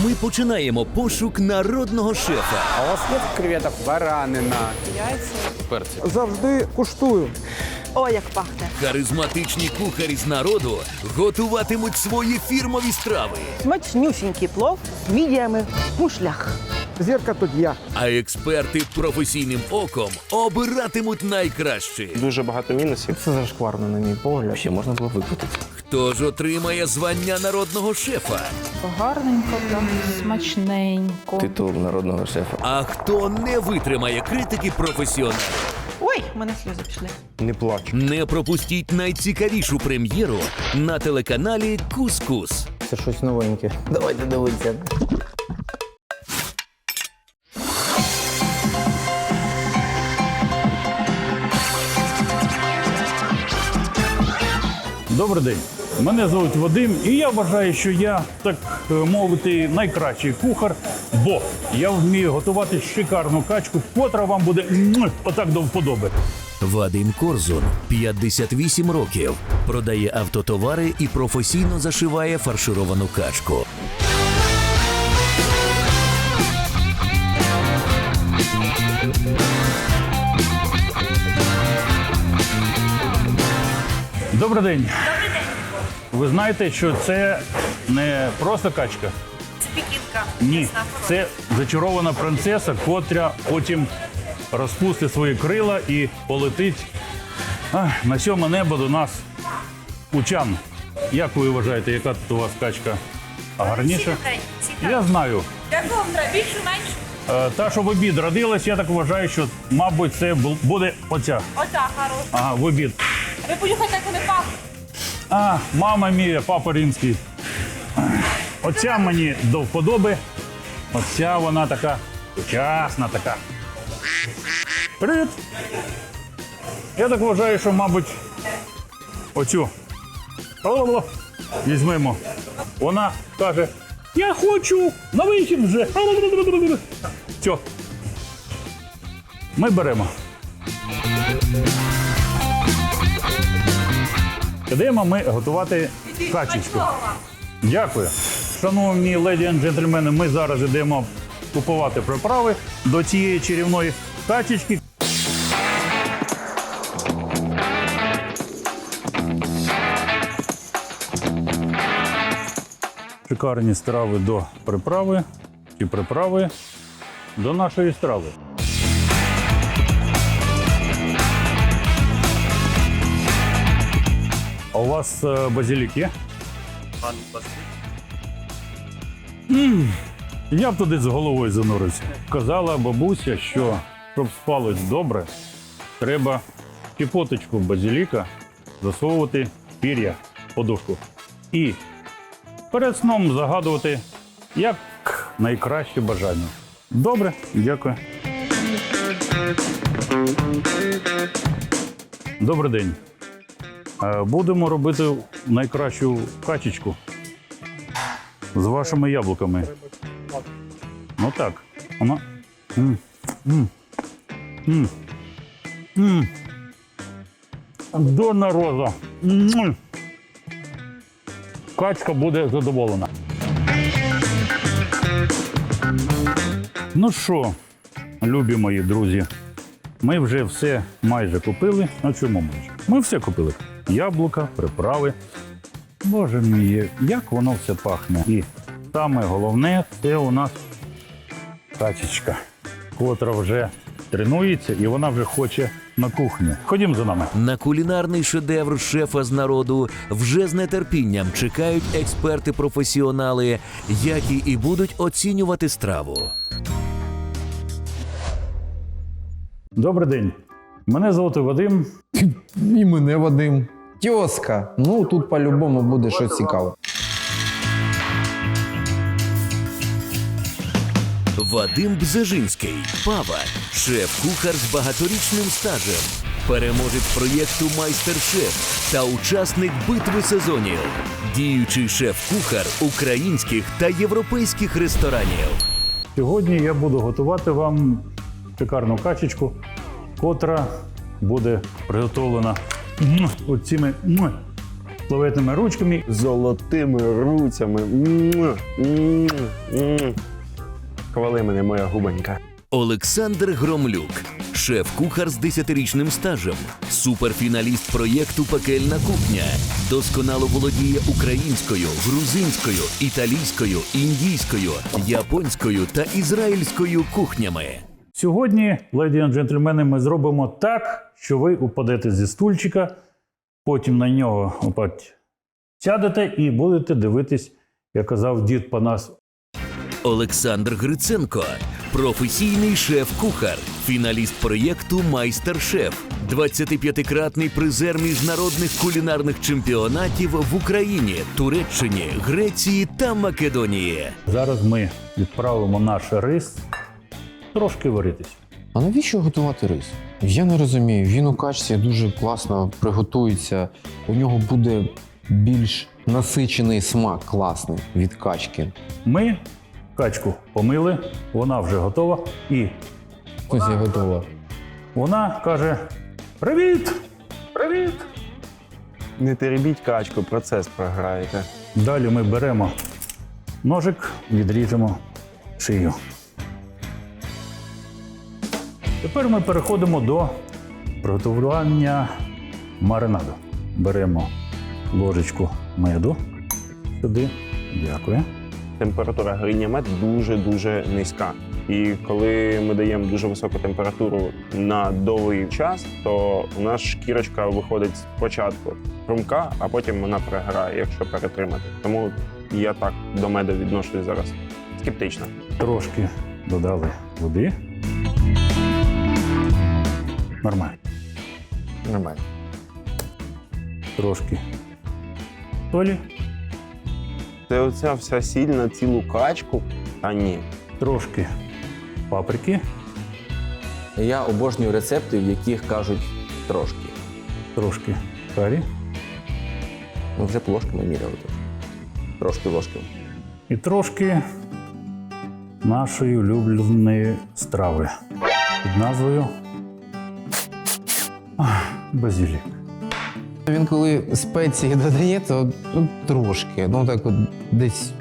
Ми починаємо пошук народного шефа. А у вас є креветок? Баранина. Завжди куштую. Ой, як пахне. Харизматичні кухарі з народу готуватимуть свої фірмові страви. Смачнюсінький плов з мідіями в мушлях. Зірка тут я. А експерти професійним оком обиратимуть найкраще. Дуже багато мінусів. Це зашкварно, на мій погляд. Ще можна було викрутити. Хто ж отримає звання народного шефа? Гарненько, прям смачненько. Титул народного шефа. А хто не витримає критики професіоналів? Ой, в мене сльози пішли. Не плач. Не пропустіть найцікавішу прем'єру на телеканалі «Кус-Кус». Це щось новеньке. Давайте дивитися. Добрий день. Мене звуть Вадим, і я вважаю, що я, так мовити, найкращий кухар, бо я вмію готувати шикарну качку, котра вам буде отак до вподоби. Вадим Корзун, 58 років, продає автотовари і професійно зашиває фаршировану качку. Добрий день. Ви знаєте, що це не просто качка? Це пікінка. Ні, це зачарована принцеса, котря потім розпустить свої крила і полетить на сьоме небо до нас у Чан. Як ви вважаєте, яка тут у вас качка? А гарніша? Я знаю. Яку вам треба? Більшу, меншу? Та, що в обід родилась, я так вважаю, що, мабуть, це буде оця. Ота, хороша. Ага, в обід. Ви понюхайте, як вони пахнуть. Мама мія, папа римський. Оця мені до вподоби. Оця вона така сучасна така. Привіт! Я так вважаю, що, мабуть, оцю візьмемо. Вона каже, я хочу на вихід вже. Все. Ми беремо. Йдемо ми готувати качечку. Дякую. Шановні леді і джентльмени, ми зараз йдемо купувати приправи до цієї чарівної качечки. Шикарні страви до приправи чи приправи до нашої страви. А у вас базилік є? Я б туди з головою занурився. Казала бабуся, що щоб спалось добре, треба щепоточку базиліка засовувати в пір'я, подушку. І перед сном загадувати як найкраще бажання. Добре, дякую. Добрий день. Будемо робити найкращу качечку з вашими яблуками. Ну так, вона. До народу. Качка буде задоволена. Ну що, любі мої друзі, ми вже все майже купили. А чому майже? Ми все купили. Яблука, приправи. Боже мій, як воно все пахне. І саме головне, це у нас качечка, котра вже тренується і вона вже хоче на кухню. Ходім за нами. На кулінарний шедевр шефа з народу вже з нетерпінням чекають експерти-професіонали, які і будуть оцінювати страву. Добрий день. Мене звати Вадим. І мене Вадим. Тьоска. Ну, тут по-любому буде щось цікаве. Вадим Бзежинський, повар, шеф-кухар з багаторічним стажем, переможець проєкту «Майстер-шеф» та учасник битви сезонів, діючий шеф-кухар українських та європейських ресторанів. Сьогодні я буду готувати вам шикарну качечку, котра буде приготовлена оціми славетними ручками. Золотими руцями. Хвали мене, моя губонька. Олександр Громлюк, шеф-кухар з 10-річним стажем, суперфіналіст проєкту «Пекельна кухня». Досконало володіє українською, грузинською, італійською, індійською, японською та ізраїльською кухнями. Сьогодні, леді і джентльмени, ми зробимо так, що ви упадете зі стульчика, потім на нього сядете і будете дивитись, як казав дід Панас. Олександр Гриценко, професійний шеф-кухар, фіналіст проєкту «Майстер-шеф», 25-кратний призер міжнародних кулінарних чемпіонатів в Україні, Туреччині, Греції та Македонії. Зараз ми відправимо наш рис трошки варитись. А навіщо готувати рис? Я не розумію. Він у качці дуже класно приготується. У нього буде більш насичений смак класний від качки. Ми качку помили, вона вже готова. І Ось я готова. вона каже: «Привіт! Привіт!» Не теребіть качку, процес програєте. Далі ми беремо ножик, відріжемо шию. Тепер ми переходимо до приготування маринаду. Беремо ложечку меду сюди. Дякую. Температура гріння мед дуже-дуже низька. І коли ми даємо дуже високу температуру на довгий час, то у нас шкірочка виходить спочатку хрумка, а потім вона переграє, якщо перетримати. Тому я так до меду відношусь зараз скептично. Трошки додали води. Нормально. Нормально. Трошки солі, Це оця вся сіль на цілу качку? Та ні. трошки паприки, Я обожнюю рецепти, в яких кажуть трошки. трошки карі Ну, вже ложками міряли. Трошки ложками. і трошки нашої улюбленої страви під назвою базилік. Він коли спеції додає, то трошки, так от десь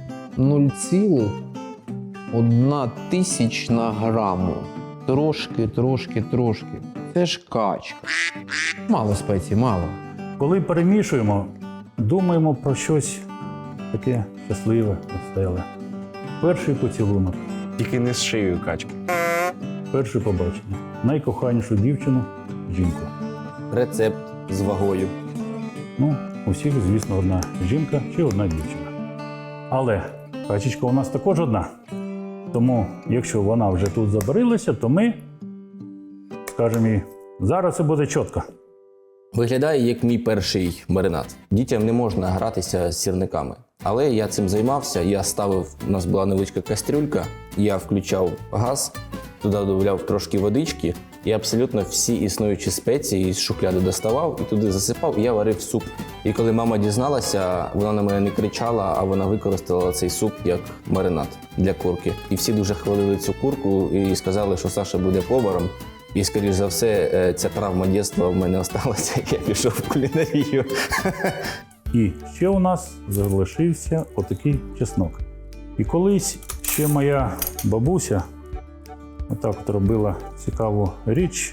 0,1 тисячна граму. Трошки. Це ж качка. Мало спецій, мало. Коли перемішуємо, думаємо про щось таке щасливе, веселе. Перший поцілунок, Тільки не з шиєю качки. перше побачення. Найкоханішу дівчину, жінку. Рецепт з вагою. Ну, у всіх, звісно, одна жінка чи одна дівчина. Але качечка у нас також одна. Тому, якщо вона вже тут забарилася, то ми скажемо їй, зараз це буде чітко. Виглядає як мій перший маринад. Дітям не можна гратися з сірниками. Але я цим займався, я ставив, у нас була невеличка кастрюлька, я включав газ, туди додавав трошки водички і абсолютно всі існуючі спеції з шухляди доставав і туди засипав, і я варив суп. І коли мама дізналася, вона на мене не кричала, а вона використала цей суп як маринад для курки. І всі дуже хвалили цю курку і сказали, що Саша буде поваром. І, скоріш за все, ця травма дитинства в мене залишилася, як я пішов в кулінарію. І ще у нас залишився отакий чеснок. І колись ще моя бабуся отак от робила цікаву річ.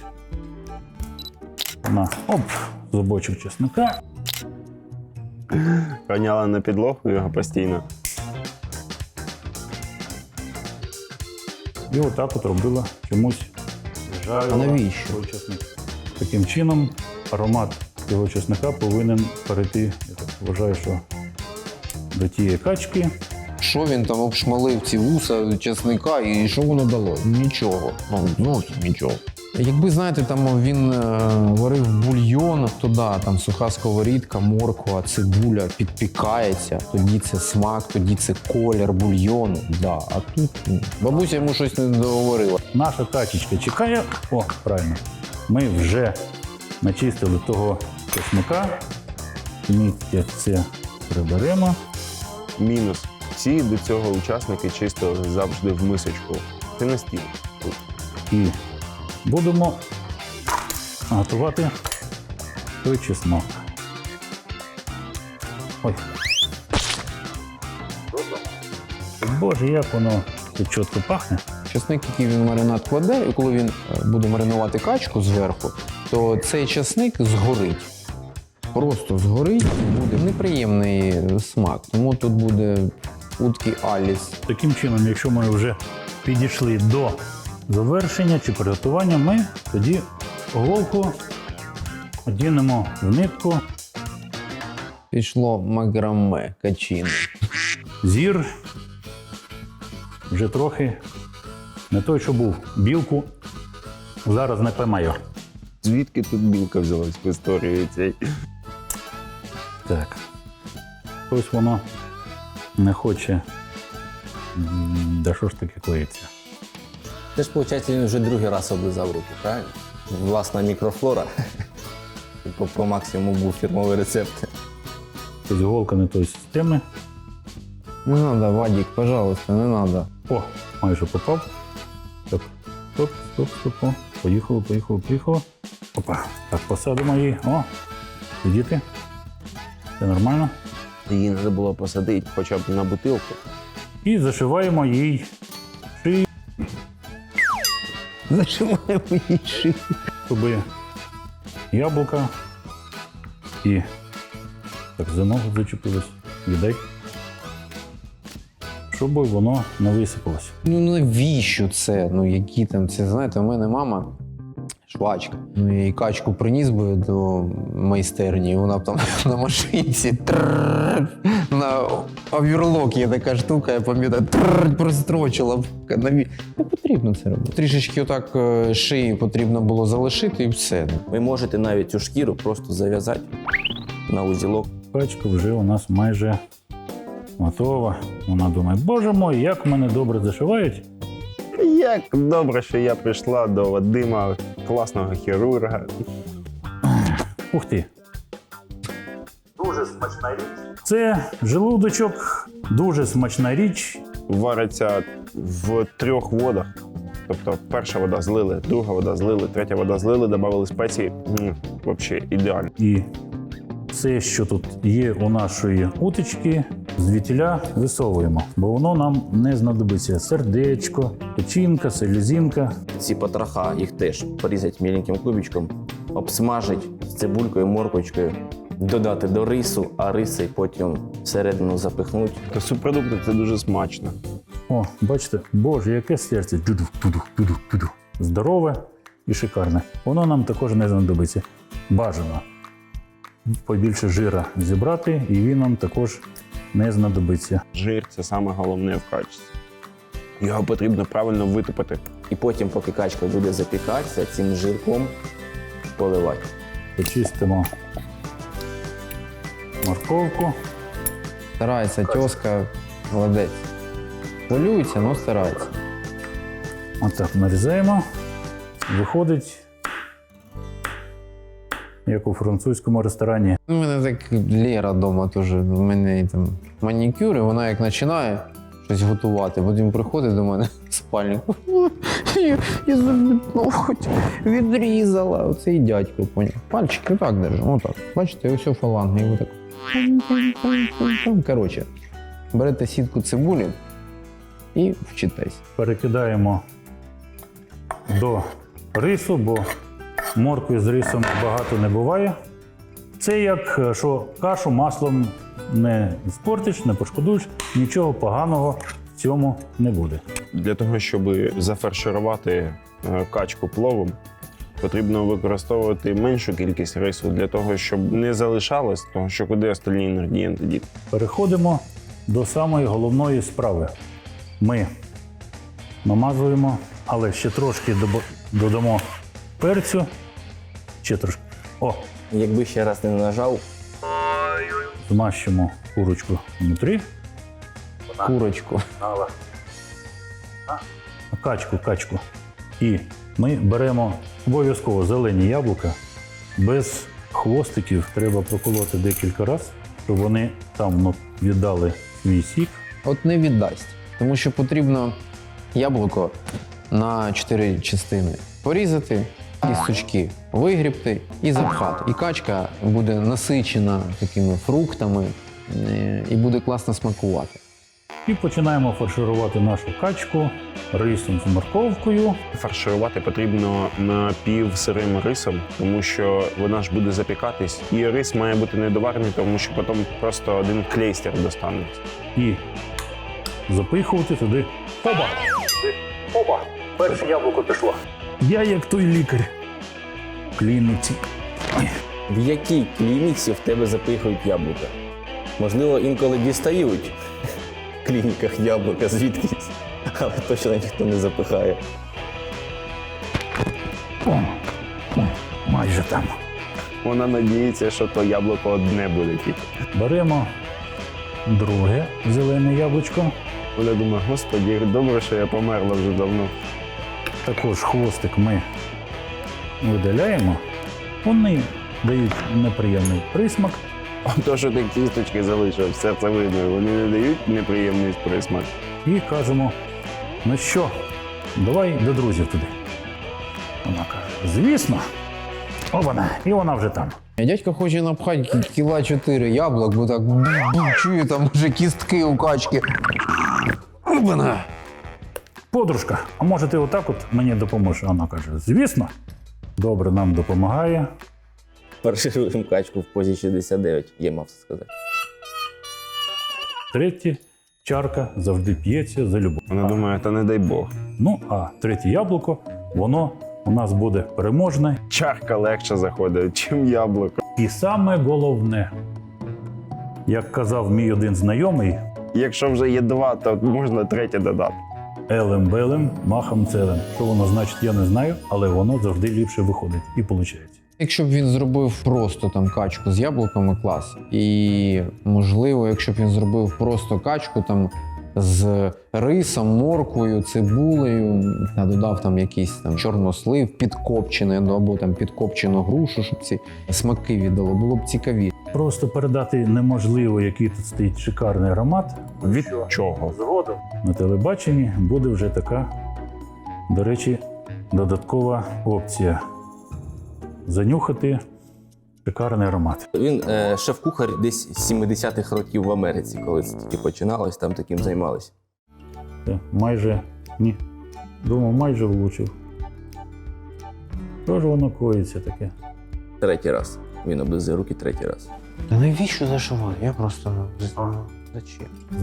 Вона зубочок чеснока. Роняла на підлогу його постійно. І отак от робила чомусь. А навіщо? Той чесник. Таким чином аромат цього чесника повинен перейти, я так вважаю, що до тієї качки. Що він там обшмалив ці вуса чесника і що воно дало? Нічого. Зовсім нічого. Якби, знаєте, там він варив бульйон, то да, там суха сковорідка, морква, цибуля підпікається, тоді це смак, тоді це колір бульйону. Да. А тут бабуся йому щось не договорила. Наша качечка чекає. О, правильно. Ми вже начистили того чесника. Місце це приберемо. Мінус. Всі до цього учасники чистили завжди в мисочку. Це на стіл. І будемо готувати той чеснок. Ой. Боже, як воно тут чітко пахне. Часник, який він в маринад кладе, і коли він буде маринувати качку зверху, то цей часник згорить. Просто згорить і буде неприємний смак. Тому тут буде утки Аліс. Таким чином, якщо ми вже підійшли до завершення чи приготування, ми тоді головку одінемо в нитку. Пішло макраме качини. Зір вже трохи не той, що був. Білку зараз не поймаю. Звідки тут білка взялась в історії цій? Так. Ось воно не хоче. Да що ж таке клеїться? Це ж, виходить, він вже другий раз облизав руки, правильно? Власна мікрофлора. По максимуму був фірмовий рецепт. Ось голка не тої системи. Не треба, Вадик, пожалуйста, не треба. О, майже попав. Так, стоп, стоп, стоп. О. Поїхало, поїхало, поїхало. Опа. Так, посадимо її. О, сидіти. Це нормально. Її треба було посадити хоча б на бутилку. І зашиваємо їй шию, Зашиваємо її шию. щоб яблука і так за ногу зачепилось. Віддай. Щоб воно не висипалося. Ну навіщо це? Ну які там це, знаєте, у мене мама швачка. Ну я їй качку приніс би до майстерні, і вона б там на машинці на оверлок є така штука, я пам'ятаю, прострочила б. Не потрібно це робити. Трішечки отак шиї потрібно було залишити і все. Ви можете навіть цю шкіру просто зав'язати на узілок. Качка вже у нас майже готова. Вона думає, боже мой, як мене добре зашивають. Як добре, що я прийшла до Вадима, класного хірурга. Ух ти. Дуже смачна річ. Це желудочок, дуже смачна річ. Вариться в 3 водах. Тобто перша вода злили, друга вода злили, третя вода злили, додали спеції. Взагалі ідеально. І все, що тут є у нашої уточки, звідтіля висовуємо, бо воно нам не знадобиться. Сердечко, печінка, селезінка. Ці потроха їх теж порізати міленьким кубичком, обсмажити з цибулькою, морквочкою, додати до рису, а риси потім всередину запихнути. То субпродукти це дуже смачно. О, бачите, боже, яке серце. Дудух. Здорове і шикарне. Воно нам також не знадобиться. Бажано побільше жира зібрати, і він нам також не знадобиться. Жир це саме головне в качестві. Його потрібно правильно витопити. І потім, поки качка буде запікатися, цим жирком поливати. Почистимо морковку. Старається тьоска, молодець. Хвилюється, але старається. Отак нарізаємо. Виходить, як у французькому ресторані. У мене так Лера вдома теж, у мене там манікюр, і вона як починає щось готувати, потім приходить до мене в спальнику. Я собі ноготь відрізала. Оцей дядько, поняв. Пальчики отак держу, отак. Бачите, ось фаланги, і отак. Коротше, берете сітку цибулі і вчитесь. Перекидаємо до рису, бо моркви з рисом багато не буває. Це як, що кашу маслом не спортиш, не пошкодуєш, нічого поганого в цьому не буде. Для того, щоб зафарширувати качку пловом, потрібно використовувати меншу кількість рису для того, щоб не залишалось, тому що куди остальні інгредієнти діти. Переходимо до самої головної справи. Ми намазуємо, але ще трошки додамо перцю. Ще трошки. О, Якби ще раз не нажав, змащимо курочку внутрі. Курочку. Качку. І ми беремо обов'язково зелені яблука. Без хвостиків треба проколоти декілька разів, щоб вони там віддали свій сік. От не віддасть, тому що потрібно яблуко на 4 частини порізати, кісточки вигрібти і запхати. І качка буде насичена такими фруктами, і буде класно смакувати. І починаємо фарширувати нашу качку рисом з морковкою. Фарширувати потрібно напівсирим рисом, тому що вона ж буде запікатись. І рис має бути недоварений, тому що потім просто один клейстер достанеться. І запихувати туди. Опа! Опа! Перше яблуко пішло. Я як той лікар. В клініці. В якій клініці в тебе запихують яблука? Можливо, інколи дістають в клініках яблука звідкись, але точно ніхто не запихає. О, майже там. Вона надіється, що то яблуко одне буде тільки. Беремо друге зелене яблучко. Вона думає, господі, добре, що я померла вже давно. Також хвостик ми видаляємо. Вони дають неприємний присмак. То, що ти кісточки залишив, все це видно, вони не дають неприємний присмак. І кажемо, ну що, давай до друзів туди. Вона каже, звісно. О, вона, і вона вже там. Дядько хоче напхати кіла 4 яблук, бо так чую, там вже кістки у качки. Опана! Подружка, а може ти отак от мені допоможеш? Вона каже, звісно. Добре, нам допомагає. Фаршируємо качку в позі 69, я мав це сказати. Третя чарка завжди п'ється за любов. Вона думає, та не дай Бог. Ну, а третє яблуко, воно у нас буде переможне. Чарка легше заходить, чим яблуко. І саме головне, як казав мій один знайомий, Якщо вже є два, то можна третє додати. елем-белем, махом целем. Що воно значить, я не знаю, але воно завжди ліпше виходить і виходить. Якщо б він зробив просто там качку з яблуками, клас. І можливо, якщо б він зробив просто качку там з рисом, морквою, цибулею, а додав там якийсь там чорнослив підкопчений, або там підкопчену грушу, щоб ці смаки віддало, було б цікавіше. Просто передати неможливо, який тут стоїть шикарний аромат. Від чого? Згодом на телебаченні буде вже така, до речі, додаткова опція. Занюхати шикарний аромат. Він шеф-кухар десь з 70-х років в Америці, коли це тільки починалось, там таким займалися. Це майже, ні, думав, майже влучив. Що ж воно коїться таке? Третій раз. Він облизує руки третій раз. Та навіщо зашивати? Я просто зачем? З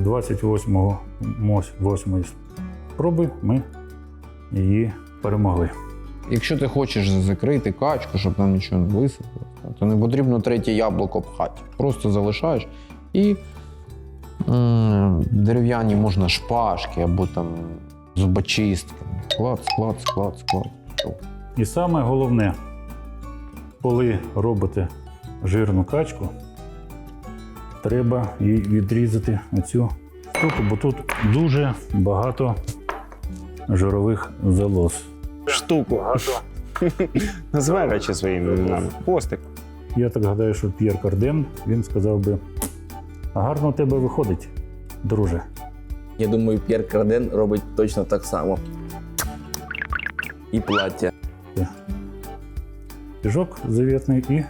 28-ї спроби ми її перемогли. Якщо ти хочеш закрити качку, щоб там нічого не висипалося, то не потрібно третє яблуко пхати. Просто залишаєш і дерев'яні можна шпажки або там зубочистки. Склад. І саме головне, коли робите жирну качку, треба їй відрізати оцю штуку, бо тут дуже багато жирових залоз. Штуку. Назвай речі своїми іменами. Хвостик. Я так гадаю, що П'єр Карден, він сказав би, гарно у тебе виходить, друже. Я думаю, П'єр Карден робить точно так само. І плаття. Піжок завітний і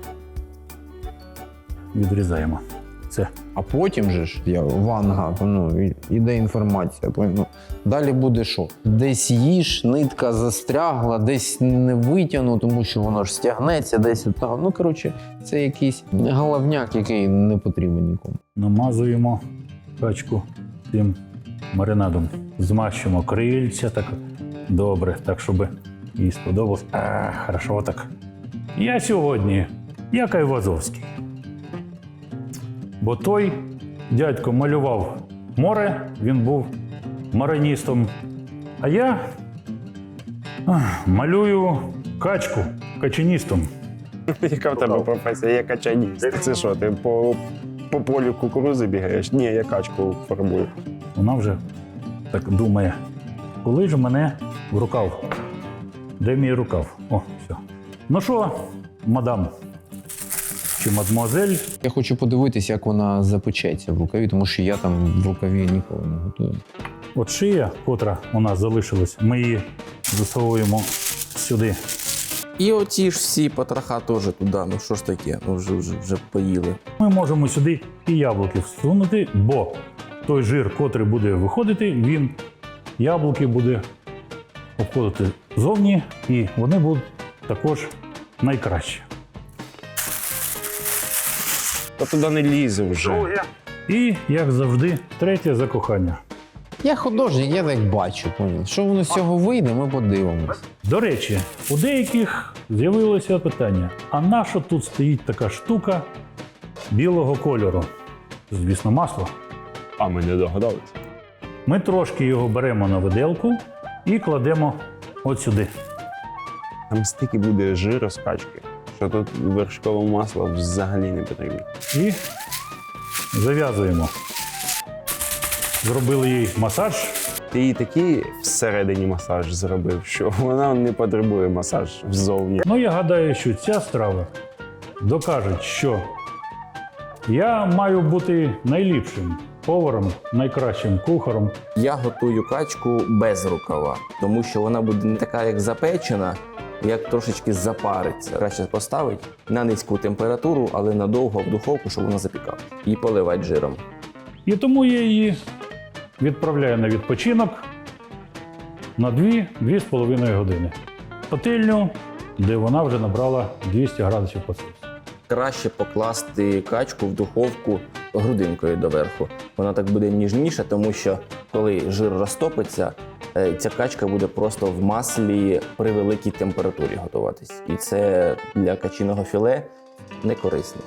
відрізаємо. Це. А потім же ж ванга, іде інформація. Далі буде що? Десь їж, нитка застрягла, десь не витягну, тому що воно ж стягнеться, десь отак. Ну, коротше, це якийсь головняк, який не потрібен нікому. Намазуємо качку цим маринадом. Змащуємо крильця так добре, так, щоб їй сподобалось. Хорошо так. Я сьогодні, як Айвазовський. Бо той дядько малював море, він був мариністом. А я малюю качку, качаністом. Яка в тебе професія? Я качаніст. Це що, ти по полю кукурузи бігаєш? Ні, я качку фарбую. Вона вже так думає, коли ж мене в рукав? Де мій рукав? О, все. Ну що, мадам? Чи мадмуазель? Я хочу подивитися, як вона запечеться в рукаві, тому що я там в рукаві ніколи не готую. От шия, котра у нас залишилась, ми її засовуємо сюди І оці ж всі потроха теж туди. Ну що ж таке? Ну вже поїли. Ми можемо сюди і яблуки всунути, бо той жир, котрий буде виходити, він яблуки буде обходити зовні, і вони будуть також найкращі. Та туди не лізе вже. І, як завжди, третє закохання. Я художник, я так бачу. Понял. Що воно з цього вийде, ми подивимось. До речі, у деяких з'явилося питання: а на що тут стоїть така штука білого кольору? Звісно, масло. А ми не догадалися. Ми трошки його беремо на виделку і кладемо от сюди. Там стільки буде жиру з качки, що тут вершкове масло взагалі не потрібно. І зав'язуємо. Зробили їй масаж. Ти їй такий всередині масаж зробив, що вона не потребує масаж ззовні. Ну, я гадаю, що ця страва докаже, що я маю бути найліпшим поваром, найкращим кухарем. Я готую качку без рукава, тому що вона буде не така, як запечена, як трошечки запариться. Краще поставити на низьку температуру, але надовго в духовку, щоб вона запікала. І поливати жиром. І тому я її відправляю на відпочинок на 2-2,5 години. Пательню, де вона вже набрала 200 градусів по Цельсію. Краще покласти качку в духовку грудинкою доверху. Вона так буде ніжніша, тому що коли жир розтопиться, ця качка буде просто в маслі при великій температурі готуватись. І це для качиного філе не корисно.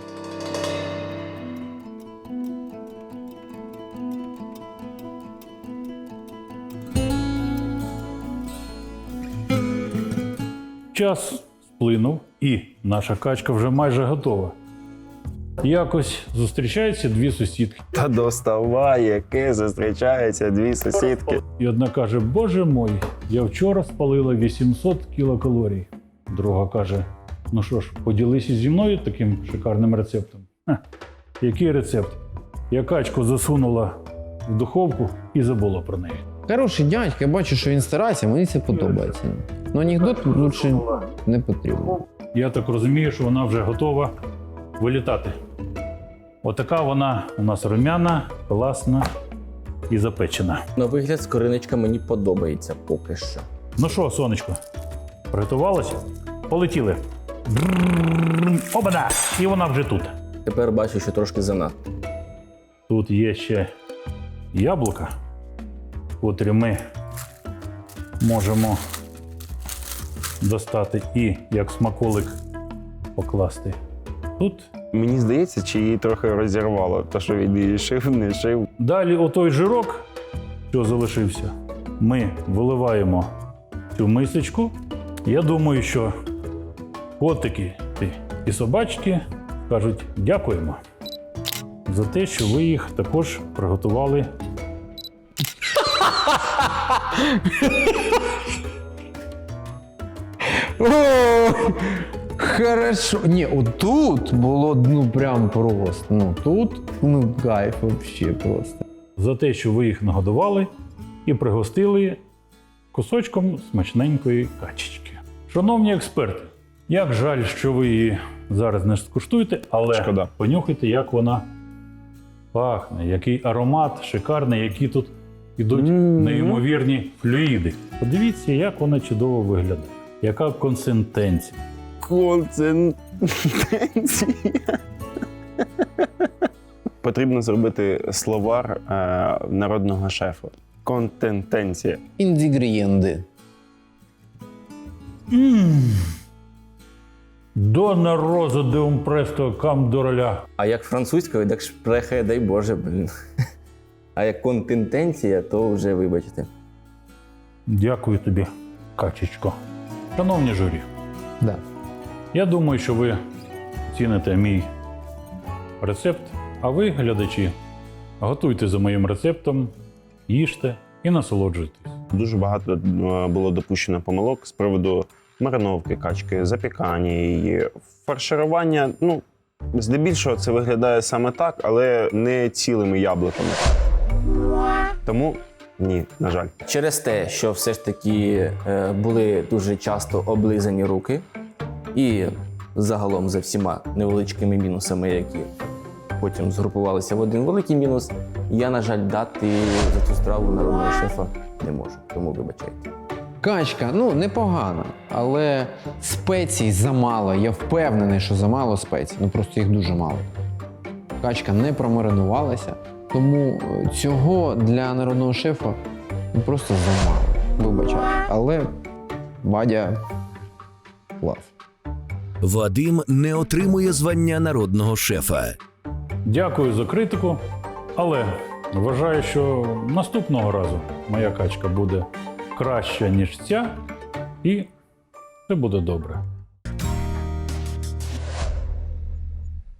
Час сплинув, і наша качка вже майже готова. Якось зустрічаються дві сусідки. Та доставай, яке зустрічаються дві сусідки. І одна каже: Боже мой, я вчора спалила 800 кілокалорій. Друга каже: ну що ж, поділися зі мною таким шикарним рецептом. Який рецепт? Я качку засунула в духовку і забула про неї. Хороший дядька, я бачу, що він старається, мені це подобається. Ну анекдот лучше не потрібно. Я так розумію, що вона вже готова вилітати. Отака вона у нас румяна, класна і запечена. На вигляд скориночка мені подобається поки що. Ну що, сонечко, приготувалася? Полетіли. Обана! І вона вже тут. Тепер бачу, що трошки занадто. Тут є ще яблука, котрі ми можемо достати і як смаколик покласти тут. Мені здається, чи її трохи розірвало, то що він її шив, не шив. Далі отой жирок, що залишився, ми виливаємо в цю мисочку. Я думаю, що котики і собачки кажуть дякуємо за те, що ви їх також приготували. О, хорошо. Ні, отут було ну прям просто. Ну тут ну кайф вообще просто. За те, що ви їх нагодували і пригостили кусочком смачненької качечки. Шановні експерти, як жаль, що ви її зараз не скуштуєте, але Шкода. понюхайте, як вона пахне, який аромат шикарний, які тут ідуть неймовірні флюїди. Подивіться, як вона чудово виглядає. Яка консистенція. Консистенція. Потрібно зробити словар народного шефа. Контентенція. Інгредієнти. Дона роза де un presto cam doroля. А як французькою, так шпрехе, дай Боже, блін. А як контентенція, то вже вибачте. Дякую тобі, качечко. Шановні журі, Да. я думаю, що ви ціните мій рецепт, а ви, глядачі, готуйте за моїм рецептом, їжте і насолоджуйтесь. Дуже багато було допущено помилок з приводу мариновки качки, запікання її, фарширування. Ну, здебільшого це виглядає саме так, але не цілими яблуками. Тому ні, на жаль. Через те, що все ж таки були дуже часто облизані руки, І загалом за всіма невеличкими мінусами, які потім згрупувалися в один великий мінус, я, на жаль, дати за цю страву народного шефа не можу, тому вибачайте. Качка, ну, непогана, але спецій замало. Я впевнений, що замало спецій. Ну, просто їх дуже мало. Качка не промаринувалася, тому цього для народного шефа ну, просто замало. Вибачайте. Але Вадя клас. Вадим не отримує звання народного шефа. Дякую за критику, але вважаю, що наступного разу моя качка буде краща, ніж ця, і все буде добре.